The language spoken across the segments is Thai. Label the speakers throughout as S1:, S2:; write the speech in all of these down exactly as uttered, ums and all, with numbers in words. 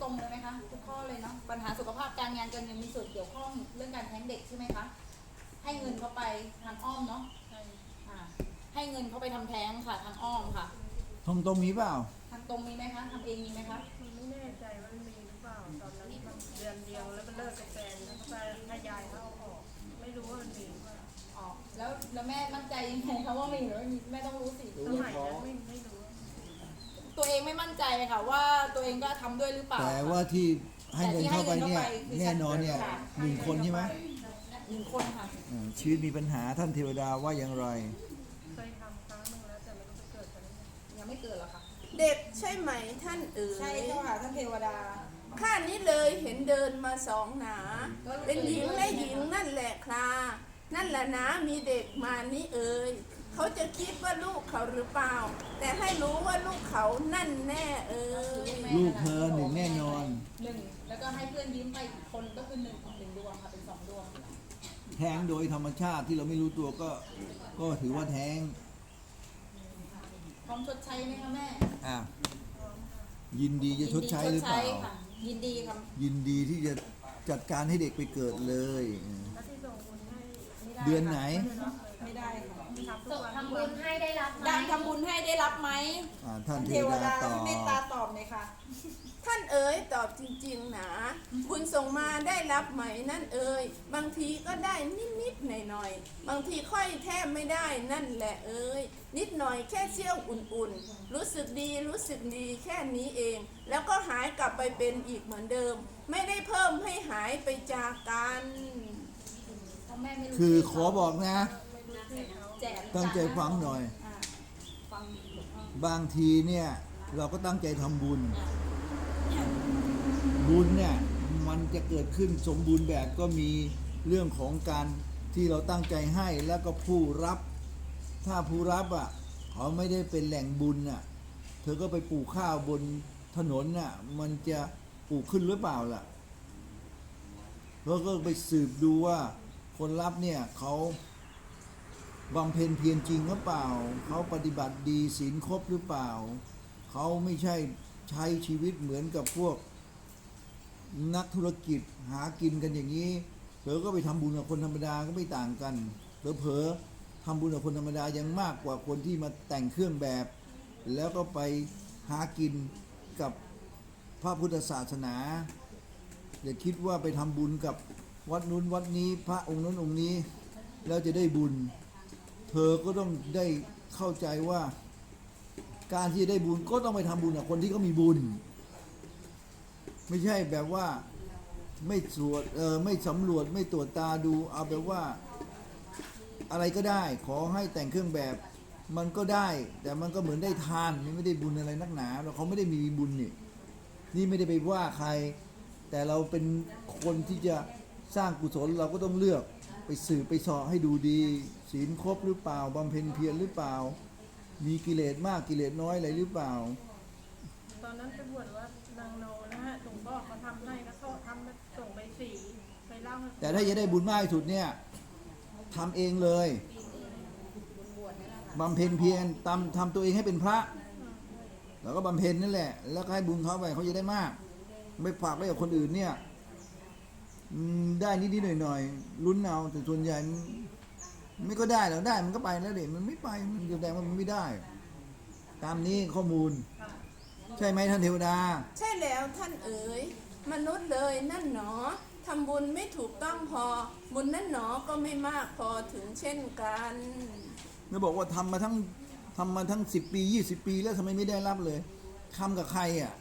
S1: รงเลยไหมคะทุกข้อเลยเนาะปัญหาสุขภาพการงานการเงินมีส่วนเกี่ยวข้องเรื่องการแท้งเด็กใช่ไหมคะให้เงินเขาไปทางอ้อมเนาะอ่าให้เงินเขาไปทำแท้งค่ะทางอ้อมค่ะ
S2: ตรงตรงมีเปล่า
S1: ทางตรงมีไหมคะทำเองมีไหมคะ
S3: มันไม่แน่ใจว่ามันมีหรือเปล่าตอนนั้นมันเดือนเดียวแล้วมันเลิกกับแฟนแล้วก็ให้ยายเขาเอาออกไม่รู้ว่ามันมีหรือเปล่า
S1: อ๋อแล้วแล้วแม่มั่นใจยังไงคะว่ามีหรือไม่มีแม่ต้องรู้สิ
S3: สมัยนั้นไม่ไม่รู้
S1: ตัวเองไม่มั่นใจค่ะว่าตัวเองก็ทำด้วยหรือเปล่า
S2: แต่ว่าที่ให้เงินเข้าไปเนี่ยแน่นอนเนี่ยหนึ่งคนใช่ไหม
S1: หนึ่งคนค่ะ
S2: ชีวิตมีปัญหาท่านเทวดาว่าอย่างไร
S3: เคยทำครั้งหนึ่งแล้วแต่ไม่รู้จะเกิดอะไร
S1: ยังไม่เกิดหรอกค่ะ
S4: เด็กใช่ไหมท่านเอ๋ย
S1: ใช่เจ้าค่ะท่านเทวดา
S4: ข้านี้เลยเห็นเดินมาสองหนาเป็นหญิงและหญิงนั่นแหละครานั่นแหละนะมีเด็กมานี่เอ๋ยเขาจะคิดว่าลูกเขาหรือเปล่าแต่ให้รู้ว่าลูกเขานั่นแน่เอ๋ย
S2: ลูกเธอหนึ่งแน่นอน
S1: หนึ่งแล้วก็ให้เพื่อนยืมไปอีกคนก็คือหนึ่งหนึ่งดวงค่ะเป็นสองดวง
S2: แท้งโดยธรรมชาติที่เราไม่รู้ตัวก็ก็ถือว่าแท้ง
S1: พร้อมชดใช้ไหมคะแม่
S2: อ่ะยินดีจะชดใช้หรือเปล่า
S1: ยินดีค่ะ
S2: ยินดีที่จะจัดการให้เด็กไปเกิดเลย
S3: เดื
S2: อนไหน
S1: ไม่ได้ค่ะ
S3: ทำบุญให้ได้รับไหม
S1: การทำบุญให้ได้รับไหม
S2: ท่านเทวดาตอบ
S1: เมตตาตอบเลยค่ะ
S4: ท่านเอ๋ยตอบจริงๆนะบุญส่งมาได้รับไหมนั่นเอ๋ยบางทีก็ได้นิดๆหน่อยๆบางทีค่อยแทบไม่ได้นั่นแหละเอ๋ยนิดหน่อยแค่เชี่ยวอุ่นๆรู้สึกดีรู้สึกดีแค่นี้เองแล้วก็หายกลับไปเป็นอีกเหมือนเดิมไม่ได้เพิ่มให้หายไปจากกัน
S2: คือขอบอกนะตั้งใจฟังหน่อยบางทีเนี่ยเราก็ตั้งใจทำบุญบุญเนี่ยมันจะเกิดขึ้นสมบูรณ์แบบก็มีเรื่องของการที่เราตั้งใจให้แล้วก็ผู้รับถ้าผู้รับอ่ะเขาไม่ได้เป็นแหล่งบุญอ่ะเธอก็ไปปลูกข้าวบนถนนน่ะมันจะปลูกขึ้นหรือเปล่าล่ะแล้วก็ไปสืบดูว่าคนรับเนี่ยเขาบำเพ็ญเพียรจริงหรือเปล่าเขาปฏิบัติดีศีลครบหรือเปล่าเขาไม่ใช่ใช้ชีวิตเหมือนกับพวกนักธุรกิจหากินกันอย่างนี้เธอก็ไปทำบุญกับคนธรรมดาก็ไม่ต่างกันเผลอๆทำบุญกับคนธรรมดายังมากกว่าคนที่มาแต่งเครื่องแบบแล้วก็ไปหากินกับพระพุทธศาสนาอย่าคิดว่าไปทำบุญกับวัดนู้นวัดนี้พระองค์นู้นองค์นี้แล้วจะได้บุญเธอก็ต้องได้เข้าใจว่าการที่จะได้บุญก็ต้องไปทำบุญกับคนที่เขามีบุญไม่ใช่แบบว่าไม่ตรวจเออไม่สำรวจไม่ตรวจตาดูเอาแบบว่าอะไรก็ได้ขอให้แต่งเครื่องแบบมันก็ได้แต่มันก็เหมือนได้ทานไม่ได้บุญอะไรนักหนาแล้วเขาไม่ได้มีบุญนี่นี่ไม่ได้ไปว่าใครแต่เราเป็นคนที่จะสร้างกุศลเราก็ต้องเลือกไปสืบไปสอบให้ดูดีศีลครบหรือเปล่าบำเพ็ญเพียรหรือเปล่ามีกิเลสมากกิเลสน้อยอะไรหรือเปล่า
S3: ตอนนั้นไปบวชว่านางโนนะฮะหลวงพ่อเขาทำให้แล้วเขาทำส่งไปสีไปเล่า
S2: แต่ถ้าจะได้บุญมากที่สุดเนี่ยทำเองเลยบำเพ็ญเพียรทำทำตัวเองให้เป็นพระแล้วก็บำเพ็ญนั่นแหละแล้วก็ให้บุญเขาไปเขาจะได้มากไม่ฝากไว้กับคนอื่นเนี่ยได้นิดๆหน่อยๆลุ้นเอาแต่ส่วนใหญ่ไม่ก็ได้แล้วได้มันก็ไปแล้วเด็กมันไม่ไปมันแสดงว่ามันไม่ได้ตามนี้ข้อมูลใช่ไหมท่านเทวดา
S4: ใช่แล้วท่านเอ๋ยมนุษย์เลยนั่นหนอทำบุญไม่ถูกต้องพอบุญนั่นหนอก็ไม่มากพอถึงเช่นกัน
S2: ไม่บอกว่าทำมาทั้งทำมาทั้งสิบปียี่สิบปีแล้วทำไมไม่ได้รับเลยทำกับใครอ่ะ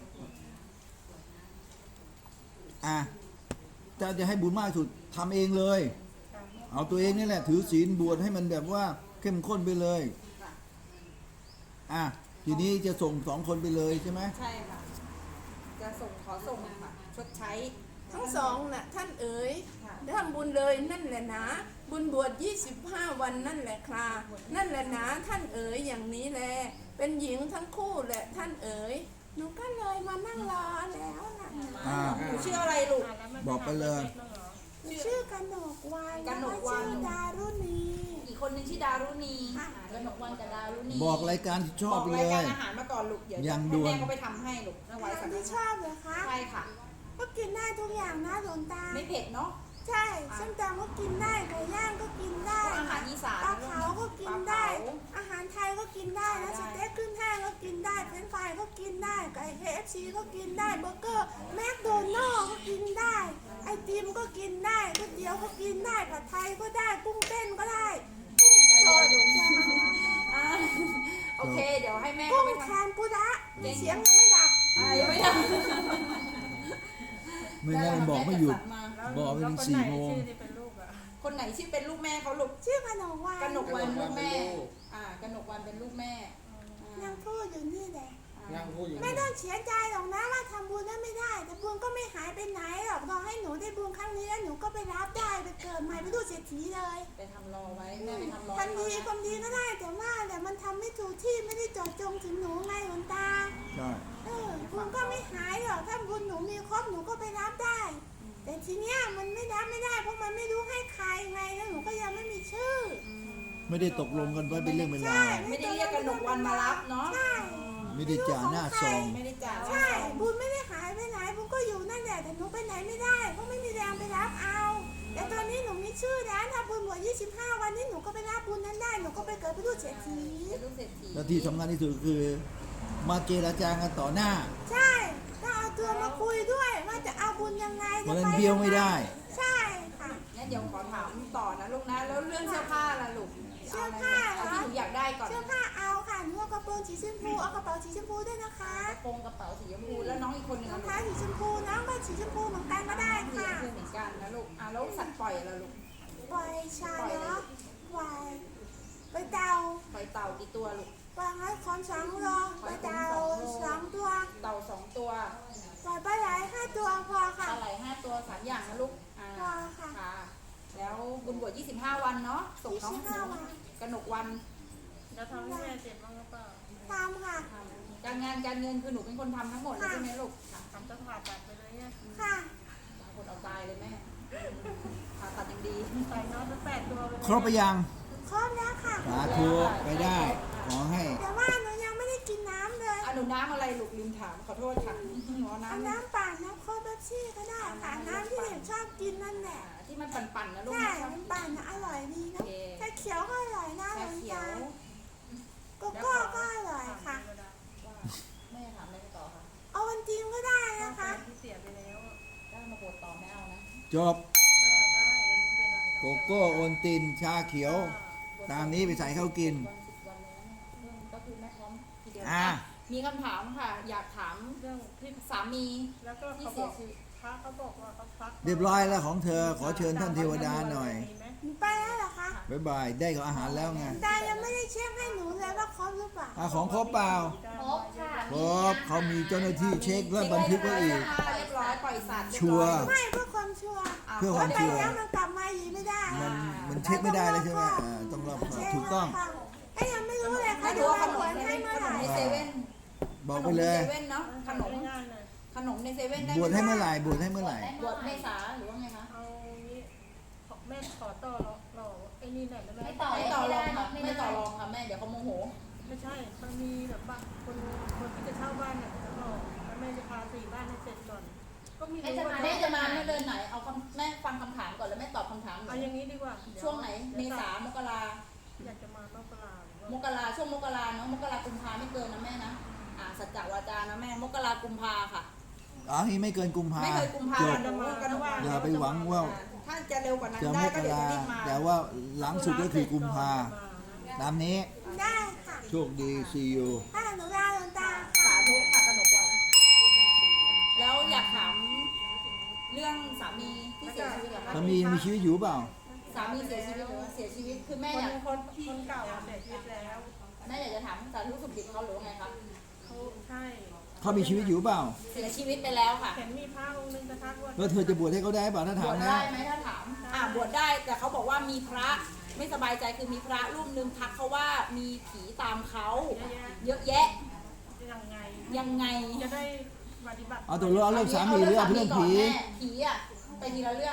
S2: อ่ะจะจะให้บุญมากสุดทำเองเลยเอาตัวเองนี่แหละถือศีลบวชให้มันแบบว่าเข้มข้นไปเลยอ่ะทีนี้จะส่งสองคนไปเลยใช่ไหม
S1: ใช่ค่ะจะส่งขอส่งค่ะชดใช้
S4: ทั้งสองน่ะท่านเอ๋ยทำบุญเลยนั่นแหละนะบุญบวชยี่สิบห้าวันนั่นแหละครานั่นแหละนะท่านเอ๋ยอย่างนี้แหละเป็นหญิงทั้งคู่แหละท่านเอ๋ยหนูก็เลยมานั่งรอแล้วนะ
S1: หนูชื่ออะไรลูก
S2: บอกไปเลย
S4: ชื่อกนกวาน
S1: กนกวาน
S4: ชื่อดารุณี
S1: อีกคนหนึงชื่อดารุณี
S4: ค่ะ
S1: อ่ากนกวันกับดารุณี
S2: บอกรายการที่ชอบ
S1: บอก
S2: เล
S1: ราย
S2: ย
S1: การอาหารมาก่อนลูกเดี๋ยว
S2: อย่าง
S1: ให้
S2: ด่วน
S1: แม่เขาไปทำให้ลูกถวาย
S4: อา
S1: สั
S4: หาง ร
S1: ฆ
S4: ที่ช
S1: ทาน
S4: อบเหรอคะ
S1: ใช่ค่ะ
S4: ก็กินได้ทุกอย่างนะหลวงตา
S1: ไม่เผ็ดเนาะ
S4: ใช่ส้มตำก็กินได้ไก่ย่างก็กินได้
S1: พวกอาหารอีสาน
S4: ปลาเผาก็กินได้
S1: ปลาเผา
S4: อาหารไทยก็กินได้นะสเต็กขึ้นแห้งก็กินได้เฟรนช์ฟรายก็กินได้ไก่ เค เอฟ ซี ก็กินได้เบอร์เกอร์แมคโดนัลด์ก็กินได้ไอติมก็กินได้ก๋วยเตี๋ยวก็กินได้ผัดไทยก็ได้กุ้งเต้นก็ได้กุ้ง
S1: ได้
S4: ส
S1: เย็น
S4: ด
S1: ลุงอ่าโอเค เดี๋ยวให้แม่
S4: กุ้
S1: เขา
S4: ง
S1: ไป
S4: แค
S1: ทำ
S4: นปูดะเสียงยังไม่ดับ
S1: อ่ายังไม่ทำ
S2: ไม่งั้นบอกไม่หยุด
S3: แล้ว
S2: บอกไปถึง
S3: แล้วคน
S2: สี่
S3: ไหน
S2: โมง
S3: ชื่อที่เป็นลูกอ่ะ
S1: คนไหนชื่อเป็นลูกแม่เขาลูก
S4: ชื่อขนมหวาน
S1: กนกวันลูกแม่ อ่ากนกวันเป็นลูกแม่
S4: ยังพูดอยู่นี่แหละ
S5: นั่งพูดอยู่
S4: ไม่ต้องเสียใจหรอกนะว่าทำบุญนั้นไม่ได้ แต่บุญก็ไม่หายไปไหนหรอกรอให้หนูได้บุญครั้งนี้แล้วหนูก็ไปรับได้ไปเกิดใหม่ไปดูเศรษฐีเลย
S1: ไปทำรอไว้ แม่ไปทำรอ
S4: ทำดีความดีก็ได้แต่ว่าแต่มันทำไม่ถูกที่ไม่ได้เจาะจงถึงหนูไงหลวงตา
S2: ใช่
S4: เออบุญก็ไม่หายหรอกถ้าบุญหนูมีครบหนูก็ไปรับได้ แต่ทีเนี้ยมันไม่รับไม่ได้เพราะมันไม่รู้ให้ใครไงแล้วหนูก็ยังไม่มีชื่อ
S2: ไม่ได้ตกลงกันไว้เป็นเรื่องเป็นราว
S1: ไม่ได้เรียกกนกวันมารับเนาะ
S4: ใช่
S2: ไม่ได้จ่าหน้าซอง
S1: ไม่ได้จ่าย
S4: ใช่บุญไม่ได้หายไปไหนบุญก็อยู่นั่นแหละแต่หนูไปไหนไม่ได้เพราะไม่มีแรงไปรับเอา แต่ตอนนี้หนูมีชื่อแล้วถ้าบุญบวชยี่สิบห้าวันนี้หนูก็ไปรับบุญนั้นได้หนูก็ไปเกิดเป็นลูกเศรษฐี
S1: เป็นลูกเศรษฐี
S2: แล้วที่สำคัญที่สุดคือ มาเจรจากันต่อหน้า
S4: ใช่ต้องเอาตัวมาคุยด้วยว่าจะเอาบุญยังไง
S2: เพราะ
S4: จะ
S2: ฉะนั้น
S4: ไป
S2: เบี้ยวไม่ได้
S4: ใช่ค่ะ
S1: งั้นเดี๋ยวขอถามต่อนะลูกนะ แล้วเรื่องเสื้อผ้าล่ะลูก
S4: เสื้อผ้าเหรอ
S1: เอาที่หนูอยากได้ก่อน
S4: เสื้อผ้าเอาค่ะหนูเอากระโปรงสีชมพูเอากระเป๋าสีชมพูด้วยนะคะ
S1: กระโปรงกระเป๋าสีชมพูแล้วน้องอีกคนหนึ่ง
S4: รอง
S1: อะ
S4: เท้าสีชมพูน้องก็สีชมพูเหมือนกันก็ได้
S1: สีช
S4: ค่ะ
S1: มพูเหมือนกันนะลูก อ่ะแล้วสัตว์ปล่อยล่ะลูก
S4: ปล่อยชาเนาะปล่อยไปเตา
S1: ปล่อยเต่ากี่ตัวลูก
S4: ปล่อยให้คนสองโลไปเตาสองตัว
S1: เต่าสองตัว
S4: ปล่อยปลาไหลห้าตัวพอ
S1: ป
S4: ค่ะ
S1: ลาไหลห้าตัวสามอย่างนะลูก อ่า
S4: พอค่ะ
S1: ค่ะ แล้วบุญบวชยี่สิบห้าวันเนาะ ส่งน้อง
S4: ยี่สิบห้าวัน
S1: กนกวัน
S3: แล้วทำให้แม่เจ็บบ้างหรือเปล่า
S4: ทำค่ะ
S1: ทำการงานการเงินคือหนูเป็นคนทำทั้งหมดเลยใช่ไหมลูกค่ะ
S3: ทำต้องผ่าตัดไปเลยเนี่ย
S4: ค่ะ
S1: บางคนเอาตายเลยแม่ผ่าตัดยังดี
S3: ใส่น้องทั้งแปดตัวไปเลย
S2: ครบไปยัง
S4: ครบแล้วค่ะ
S2: สาธุไปได้ ขอให้
S4: แต่ว่าหนูยังไม่ได้กินน้ำเลย
S1: อ่ะหนูน้ำอะไรลูกลืมถามขอโทษค่ะหนูเอา
S4: เอา
S1: น้ำ
S4: น้ำปั่นน้ำโค้กเป๊ปซี่ก็ได้ค่ะน้ำที่เด็กชอบกินนั่นแหละ
S1: อ่าที่มันปั่นๆนะลูก
S4: ใช่
S1: นะ
S4: น้ำปั่นนะอร่อยดี
S1: โอ
S4: นะ
S1: เค
S4: ชาเขียวก็อร่อยนะห
S1: ชา
S4: ลวง
S1: เขีย
S4: ตาว โกโก้ก็อร่อยค่ะ
S1: ว่าแม่ถามอะไรต่อค่ะ
S4: เอาวันจริงก็ได้
S3: นะ
S4: นะคะ คะ
S3: ที่เสียไปแล้วอะ
S1: ได้มาบวชต่อไม่เอานะ
S2: จบ
S3: ก็ได้ไม่เป็นไร
S2: โกโก้โอนติน ชาเขียว ตามนี้ไปใส่ข้าวกิน
S1: วันสิบวันเลยนะเนี่ยเรื่องก็คือแม่พร้อมทีเดียว
S2: อ่ะ
S1: มีคำถามค่ะ อยากถาม
S3: เรื่องที่
S1: สามี
S3: แล้วก็
S1: ที่
S3: เขาบ
S1: เสี
S3: อย ก
S1: ชีวิต
S3: พระเขาบอกว่าเขาพัก
S2: เรียบร้อยแล้วของเธอ ขอเชิญท่านเทวดาหน่อย
S3: มีไหม
S4: หนูไปแล้วเหรอคะ
S2: บ๊ายบาย ได้ของอาหารแล้วไง
S4: ตายังไม่ได้เช็คให้หนูเลยว่าครบหรือเปล่า
S2: อาของครบเปล่า
S1: ครบค่ะ
S2: ครบเขามีเจ้าหน้าที่เช็คและบันทึกไว้อีก
S1: เรียบร้อยปล่อยสัตว์เรียบร้อย
S2: ชัวร์
S4: ไม่เพื่อความชัวร์
S2: เพื่อความ
S4: ไป
S2: ชัวร์
S4: แล้วมันกลับมาอีกไม่ได้
S2: มันมันเช็คไม่ได้เลยใช่ไหมอ่าต้องรอบคอบถูกต้อง
S4: ไอ้ยังไม่รู้เลย
S1: ไม่
S4: เขา
S1: รู้
S4: ดู
S1: ว่าข
S4: ว่าน ห
S1: ม
S4: วย
S1: ใน
S4: ให้เมื่อ
S1: ข
S4: ไห
S1: น
S4: ร่
S1: มในเซเว่น
S2: บอกไปเลย
S1: ขนมในเซเว่นเนาะขนม
S3: ง่ายๆเลย
S1: ขนมในเซเว่นได้
S2: บวชให้เมื่อไหร่บวชให้เมื่อไหร่
S1: บวชเมษาหรือว่าไงคะ
S3: เอางี้ขอแม่ขอต่อรอรอไอ้นี่หน่อยได้ไหม
S6: ไม่ต่อ
S1: ไม่ต่อรองค่ะไม่ต่อรองค่ะแม่เดี๋ยวเขาโมโห
S3: ไม่ใช่มันมีแบบว่าคนคนที่จะเช่าบ้านเนี่ยจะบอกแล้วแม่จะพาสี่บ้านให้เสร็จก่อน ก็มีรู้ว่า
S1: แม่จะมาเมื่อเดือนไหนเอาคำแม่ฟังคำถามก่อนแล้วแม่ตอบคำถามหน่
S3: เอา
S1: อย
S3: อย่างนี้ดีกว่าเดี๋ย
S1: ช่วงไหนเมษามกรา
S3: อยากจะมาต้องปลาหรือว่าม
S1: กราช่วงมกราเนาะมกรากุมภาไม่เกินนะแม่นะอ่าสัจจวาจานะแม่มกรากุมภาค่ะ
S2: อ๋อนี่ไม่เกินกุมภา
S1: ไม่เคยกุมภา
S2: จบ
S1: จะมากันว่า
S2: อย่าไปหวังว่า
S1: ถ้าจะเร็วกว่านั้น
S2: จะ
S1: ได้
S2: ม
S1: ก็
S2: ก
S1: เดี๋ยว
S2: รา
S1: จะรีบมา
S2: แต่ว่าหลังสุดก็คือกุมภาตามนี้
S4: ได้ค่ะ
S2: โชคดีซีอู
S4: ถ้าหนูลาหลวงตา
S1: สาธุค่ะกนกวัน แล้วอยากถามเรื่องสามีที่เสียชีวิตเหรอคะ
S2: สามียังมีชีวิตอยู่เปล่า
S1: สามีเสียชีวิตหรือว่าเสียชีวิตคือแม่
S3: คน
S1: อยาก
S3: คนคนเก่าอะเสียชีวิตแล้ว
S1: แม่อยากจะถามสาธุสุขดิบเขาหรือว่าไงคะ
S3: เขาใช่
S2: เขามีชีวิตอยู่เปล่า
S1: เสียชีวิตไปแล้วค่ะ
S3: เห็นมีพระองค์หนึงจะทักว่า
S2: แล้วเธอจะบวชให้เขาได้เปล่าถ้า
S1: บ
S2: ถาม
S1: วช
S2: นะ
S1: ได้ไหมถ้าถามอ่าบวชได้แต่เขาบอกว่ามีพระไม่สบายใจคือมีพระรูปหนึ่งทักเขาว่ามีผีตามเขา
S3: เยอะแยะ
S1: เยอะแยะ
S3: ยังไง
S1: ยังไง
S3: จะได้ปฏิบัติ
S2: เอาตัวเรื่องเอาเรื่องสามีหรือเอาเรื่องผี
S1: ก่นแม่ผีอ่ะไปทีละเรื่อง
S3: อืม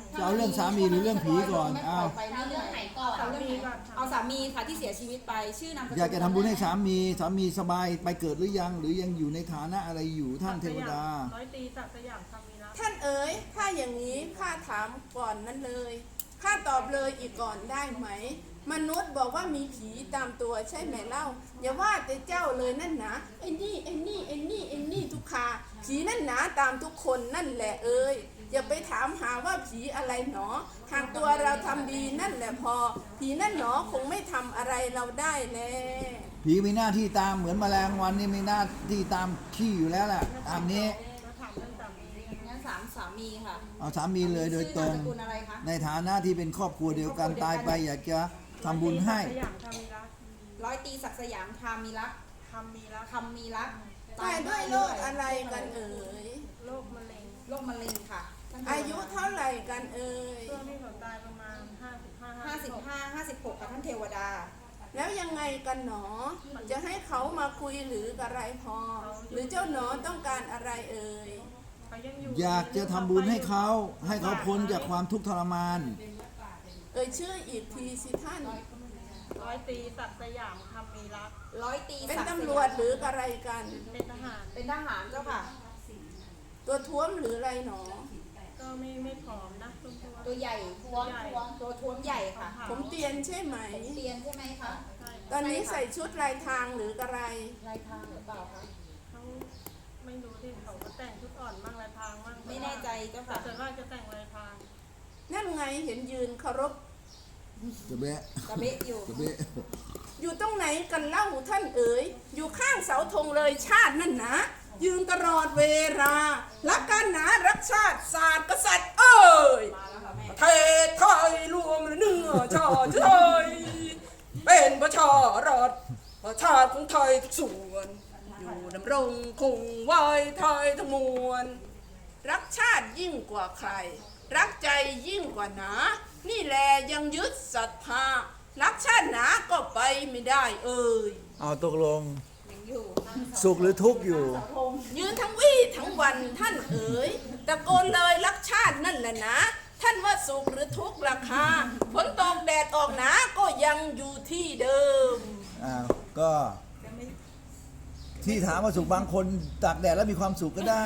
S2: จะเอาเรื่องสามีหรือเรื่องผีก่อน
S1: ไม่ป
S2: อ้า
S1: ล่
S2: ว
S1: อยไปเรื่อยๆ
S5: เอาเรื่องไหนก่อน
S1: เอาเรื่องไหนเอาสามีค่ะที่เสียชีวิตไปชื่อนามสกุล
S2: อยากจะทำบุญให้สามีสามีสบายไปเกิดหรือยัง หรือยังอยู่ในฐานะอะไรอยู่ท่านเทวดา
S3: ร้อยตีศักดิ์สยามคำมีรัก
S4: ท่านเอ๋ยถ้าอย่างนี้ข้าถามก่อนนั้นเลยข้าตอบเลยอีกก่อนได้ไหม มนุษย์บอกว่ามีผีตามตัวใช่ไหมเล่า อย่าว่าแต่เจ้าเลยนั่นนะไอ้นี่ไอ้นี่ไอ้นี่ไอ้นี่ทุกขาผีนั่นหนาตามทุกคนนั่นแหละเอ้ยอย่าไปถามหาว่าผีอะไรหนอหากตัวเราทำดีนั่นแหละพอ ผีนั่นหนอคงไม่ทำอะไรเราได้แน่
S2: ผีมีหน้าที่ตามเหมือนแมลงวันนี่มีหน้าที่ตามขี้อยู่แล้วแหละตามนี้
S3: มาถามเรื่องสามี
S1: งั้นสามสามีค่ะ
S2: เอาสามีเลยโดยตรง
S1: ชื่อนามสกุลอะไรคะ
S2: ในฐานะที่เป็นครอบครัวเดียวกันตายไปอยากจะทำบุญให้
S3: สยามคำมีรัก
S1: ร้อยตีศักดิ์สยามคามีรัก
S3: คำมีรัก
S1: คำมีรัก
S4: ตายด้วยโรคอะไรกันเอ่ย
S3: โรคมะเร็ง
S1: โรคมะเร็งค่ะท่น
S4: อายุเท่าไหร่กันเอ่ย
S3: ช่วงที่เขาตายประมาณห้าสิบห้า
S1: ห้าสิบห้าห้าสิบหกค่ะท่านเทวดา
S4: แล้วยังไงกันหนอ จะให้เขามาคุยหรืออะไรพอ หรือเจ้าหนอต้องการอะไรเอ่ย
S3: เขายังอยู่
S2: อยากจะทำบุญให้เขาให้เขาพ้นจากความทุกข์ทรมาน
S4: เอ่ยชื่ออีกทีสิท่าน
S3: ร้อยตีศักดิ์สยามคำมีรัก
S1: ร้อยตี
S4: เป็น
S1: ศักดิ์สยาม
S4: ตำรวจหรืออะไรกัน
S3: เป็นทหาร
S1: เป็นทหารเจ้าค่ะ
S4: ตัวท้วมหรืออะไรหนอ
S3: ก็ไม่ไม่ผอมนะตุ้มตัว
S1: ตัวใหญ่ท้วมท้วมตัวท้วมใหญ่ค่ะ
S4: ผมเตียนใช่ไหม
S1: เตียนใช่ไหมคะ
S3: ใช่
S4: ตอนนี้ใส่ชุดลายทางหรืออะไร
S1: ลายทางหรือเปล่าคะ
S3: เขาไม่รู้ที่เขาก็แต่งชุดอ่อนบ้างลายพรางบ้าง
S1: ไม่แน่ใจเจ้า
S3: แต่
S1: ค่ะ
S3: ส่วนมากจะแต่งลายพราง
S4: นั่นไงเห็นยืนเคารพ
S2: จะเบะ
S1: กระเบะอยู่
S2: จะเบะ
S4: อยู่ตรงไหนกันเล่าท่านเอ๋ย อยู่ข้างเสาธงเลยชาตินั่นนะ ยืนตลอดเวลารักกันหนารักชาติศาสตร์กษัตริย์เอ้ย
S1: มาแล้วค่ะแม่
S4: ประเทศไทยรวมเนื้อชาติไทยเป็นประชารัฐประชาติของไทยทุกส่วน อยู่ดำรงคงไว้ไทยทั้งมวล รักชาติยิ่งกว่าใคร รักใจยิ่งกว่าหนา นี่แหละยังยึดศรัทธารักชาติหนาก็ไปไม่ได้เอ่ย
S2: เอาตกลง
S1: ยังอยู่
S2: สุขหรือทุกข์อยู่
S1: เสาธง
S4: ยืนทั้งวี่ทั้งวันท่านเอ๋ยตะโกนเลยรักชาตินั่นแหละนะ ท่านว่าสุขหรือทุกข์ราคาฝนตกแดดออกหนาก็ยังอยู่ที่เดิม
S2: อ้าวก็ที่ถามว่าสุขบางคนตากแดดแล้วมีความสุขก็ได้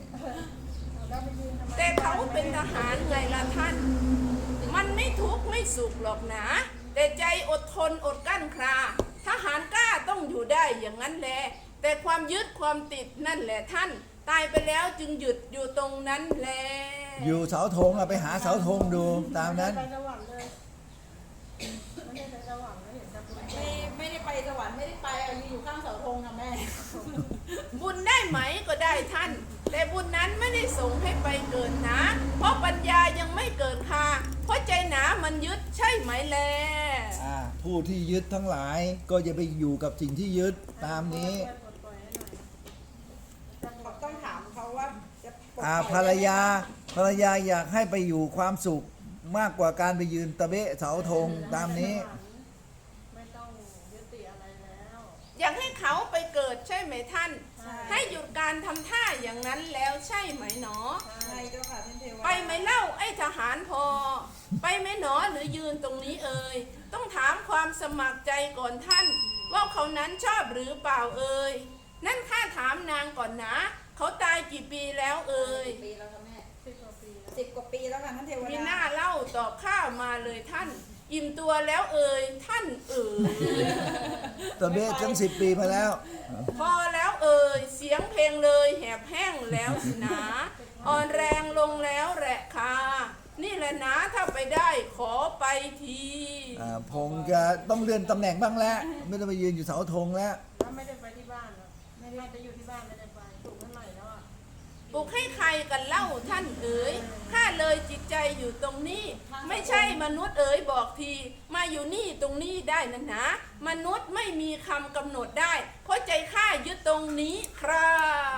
S4: แต่เขาเป็นทหารไงล่ะท่าน มันไม่ทุกข์ไม่สุขหรอกนะ แต่ใจอดทนอดกลั้นคราทหารกล้าต้องอยู่ได้อย่างนั้นแหละ แต่ความยึดความติดนั่นแหละท่าน ตายไปแล้วจึงหยุดอยู่ตรงนั้นแหละ
S2: อยู่เสาธงอะไปหาเสาธงดูตามนั้น
S3: ไปสวรรค์เลยไม่ได้ไปสวรรค์ไม่เห็นจะเป็น
S1: ไม่ไม่ได้ไปสวรรค์ไม่ได้ไปเอายืนอยู่ข้างเสาธงค่ะแม่
S4: บุญได้ไหมก็ได้ท่าน แต่บุญนั้นไม่ได้ส่งให้ไปเกิดนะ เพราะปัญญายังไม่เกิดค่ะ เพราะใจหนามันยึดใช่ไหมแล
S2: อ่าผู้ที่ยึดทั้งหลายก็จะไปอยู่กับสิ่งที่ยึดตามนี้
S3: ปลดปล่อยให้หน่อยจะปลด
S1: ต้องถามเขาว่าจะปลด
S2: อ่า
S1: ปล่อย
S2: ภรรยาภรรยาอยากให้ไปอยู่ความสุขมากกว่าการไปยืนตะเบะเสาธงตามนี้
S3: ไม่ต้องยึดติดอะไรแล้ว
S4: อยากให้เขาไปเกิดใช่ไหมท่าน
S1: ใช่
S4: ให้หยุดการทำท่าอย่างนั้นแล้วใช่ไหมหนอ
S1: ใช่เจ้าค่ะท่านเทวดา
S4: ไปไหมเล่าไอ้ทหารพอ ไปไหมหนอหรือยืนตรงนี้เอ่ยต้องถามความสมัครใจก่อนท่าน ว่าเขานั้นชอบหรือเปล่าเอ่ยนั่นข้าถามนางก่อนนะ เขาตายกี่ปีแล้วเอ่ย
S1: กี่ปีแล้วคะแม่
S3: สิบกว่าปีแล้ว
S1: สิบกว่าปีแล้วค่ะท่านเทว
S4: มี
S1: ดา
S4: หน้าเล่าตอบข้ามาเลยท่าน อิ่มตัวแล้วเอ่ยท่านเอ่ย
S2: ตะเบะตั้งสิบปีมาแล้ว
S4: พอแล้วเอ่ยเสียงเพลงเลยแหบแห้งแล้วสินะ อ่อนแรงลงแล้วแหละค่ะนี่แหละนะถ้าไปได้ขอไปที
S2: อ่าพงจะต้องเลื่อนตำแหน่งบ้างแล้ว ไม่ต้องไปยืนอยู่เสาธงแล้ว
S3: ถ้าไม่ได้ไปที่บ้านหรอกไม่ได้จะอยู่ที่บ้านไม่ได้ไปถูกเมื่อไหร่แล้วอ่ะ
S4: ปลุกให้ใครกันเล่าท่านเอ๋ยข้าเลยจิตใจอยู่ตรงนี้ ไม่ใช่มนุษย์เอ๋ยบอกที มาอยู่นี่ตรงนี้ได้นะนะ มนุษย์ไม่มีคำกำหนดได้ เพราะใจข้ายึดตรงนี้ครับ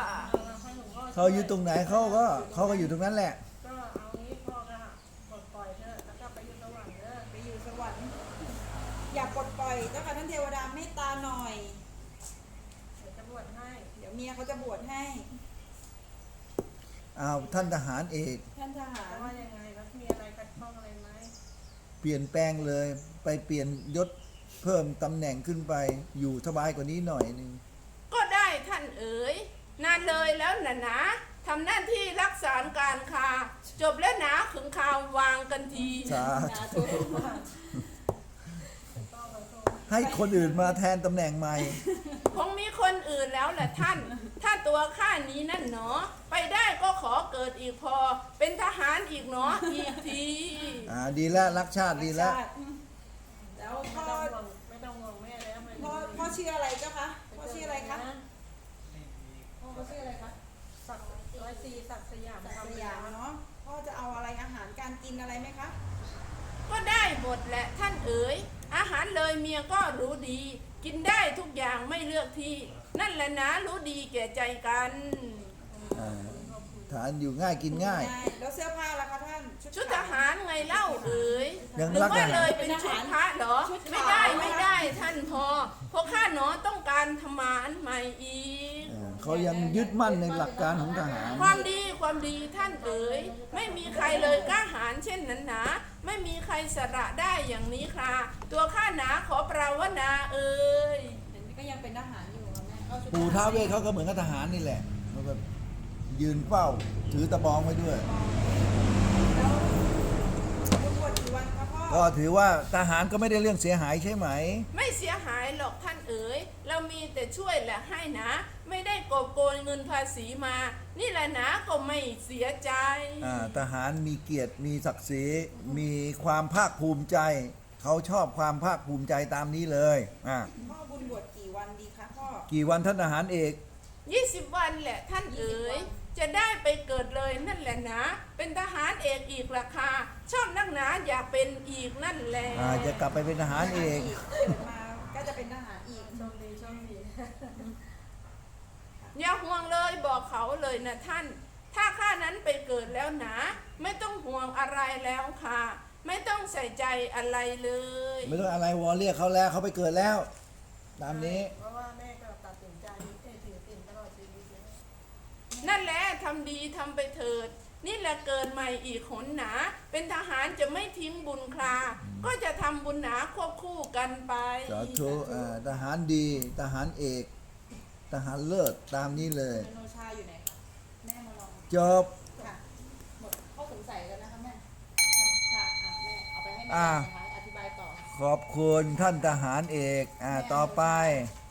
S3: เอาให้หลวงพ่อ
S2: เขาอยู่ตรงไหนเขาก็เขาก็อยู่ตรงนั้นแหละ
S3: ก็เอางี้พ่อก็ปลดปล่อยเถอะแล้วก็ไปอยู่สวรรค์เถอะ
S1: ไปอยู่สวรรค์อยากปลดปล่อยเจ้าค่ะท่านเทวดาเมตตาหน่อย
S3: เดี๋ยวจะบวชให้
S1: เดี๋ยวเมียเขาจะบวชให้
S2: อ้าวท่านทหารเอก
S1: ท่านทหาร
S3: แต่ว่ายังไงแล้วมีอะไรใคร
S2: เปลี่ยนแปลงเลย ไปเปลี่ยนยศเพิ่มตำแหน่งขึ้นไปอยู่สบายกว่านี้หน่อยหนึง
S4: ก็ได้ท่านเอ๋ยนานเลยแล้วนะนะทำหน้าที่รักษาการค้าจบแล้วนะขึงข่าววางกันที
S2: สา
S1: สา
S2: ธุ
S1: ธุ
S2: ให้คนอื่นมาแทนตำแหน่งใหม่
S4: คงมีคนอื่นแล้วแหละท่าน ถ้าตัวข้านี้นั่นหนอ ไปได้ก็ขอเกิดอีกพอ เป็นทหารอีกหนออีกที
S2: อ่าดีแล้วรักชาติดีแล้ว
S1: แล้ว
S3: ไม่
S1: พ่อ
S3: ต้องห่วงไม่ต้องห่วงแม่แล้วไม่
S1: พ่อพ่อชื่ออะไรเจ้าคะพ่อชื่ออะไรคะพ่อเขาชื่ออะไรคะ
S3: สักร้อยสี่สักสยาม
S1: ศัก
S3: ทำ
S1: ดิ์สยามเนาะพ่อจะเอาอะไรอาหารการกินอะไรไหมคะ
S4: ก็ได้หมดแหละท่านเอ๋ยอาหารเลยเมียก็รู้ดี กินได้ทุกอย่างไม่เลือกที่ นั่นแหละนะรู้ดีแก่ใจกัน
S2: อ่าทานอยู่ง่ายกินง่าย
S1: แล้วเสื้อผ้าล่ะคะท่าน
S4: ชุดทหารไงเล่าเอ๋ย
S2: ยัง
S4: หรือ
S2: รัก
S4: ว่า
S2: ทหาร
S4: เลยเป็นชุดพระเหรอ ไม่ได้ไม่ได้ท่านพอเพราะข้าหนอต้องการทำหมานใหม่อีก
S2: อ่าเขายังยึดมั่นในหลักการของทหาร
S4: ความดีความดีท่านเอ๋ยไม่มีใครเลยกล้าหาญเช่นนั้นหนาไม่มีใครสละได้อย่างนี้คราตัวข้าหนาขอปราวนาเอ๋ย
S1: เห็นก็ยังเป็นทหารอยู่อะแม่ก็ชุด
S2: ปู่ท้าวเวสเขาก็เหมือนกับทหารนี่แหละมันแบบยืนเฝ้าถือตะบองไว้ด้วย
S1: แล้วคุณบวชกี่วันคะพ่อ
S2: ก็ถือว่าทหารก็ไม่ได้เรื่องเสียหายใช่ไหม
S4: ไม่เสียหายหรอกท่านเอ๋ยเรามีแต่ช่วยและให้นะ ไม่ได้กอบโกยเงินภาษีมา นี่แหละนะก็ไม่เสียใจ
S2: อ่าทหารมีเกียรติมีศักดิ์ศรีมีความภาคภูมิใจ เขาชอบความภาคภูมิใจตามนี้เลยอ่า
S1: พ่อบุญบวชกี่วันดีคะพ่อ
S2: กี่วันท่านทหารเอก
S4: ยี่สิบวันแหละท่านเอ๋ยจะได้ไปเกิดเลยนั่นแหละนะ เป็นทหารเอกอีกราคา ชอบนักหนาอยากเป็นอีกนั่นแหละ
S2: อ่าจะกลับไปเป็นทหารเอก
S1: เกิดมาก็จะเป็นทหารอีก
S3: โชคดีโชคดี
S4: อย่าห่วงเลยบอกเขาเลยนะท่าน ถ้าข้านั้นไปเกิดแล้วนะ ไม่ต้องห่วงอะไรแล้วค่ะ ไม่ต้องใส่ใจอะไรเลย
S2: ไม่ต้องอะไรวอเรียกเขาแล้วเขาไปเกิดแล้ว ตามนี้
S3: เพราะว่าแม่ก็ตัดสินใจเอ้ยถือติ่นตลอดชีวิตเลย
S4: นั่นแหละทำดีทำไปเถิด นี่แหละเกิดใหม่อีกหนหนา เป็นทหารจะไม่ทิ้งบุญคลา ก็จะทำบุญหนาควบคู่กันไป
S2: สาธุอ่าทหารดีทหารเอก ทหารเลิศตามนี้เลย
S1: โนชาอยู่ไหนคะแม่มาลอง
S2: จบ
S1: ค่ะหมดข้อสงสัยแล้วนะคะแม่ค่ะอ่ะแม่เอาไปให้แม่
S2: อ่า
S1: นะคะอธิบายต่อ
S2: ขอบคุณท่านทหารเอกอ่าต่อไป
S1: แ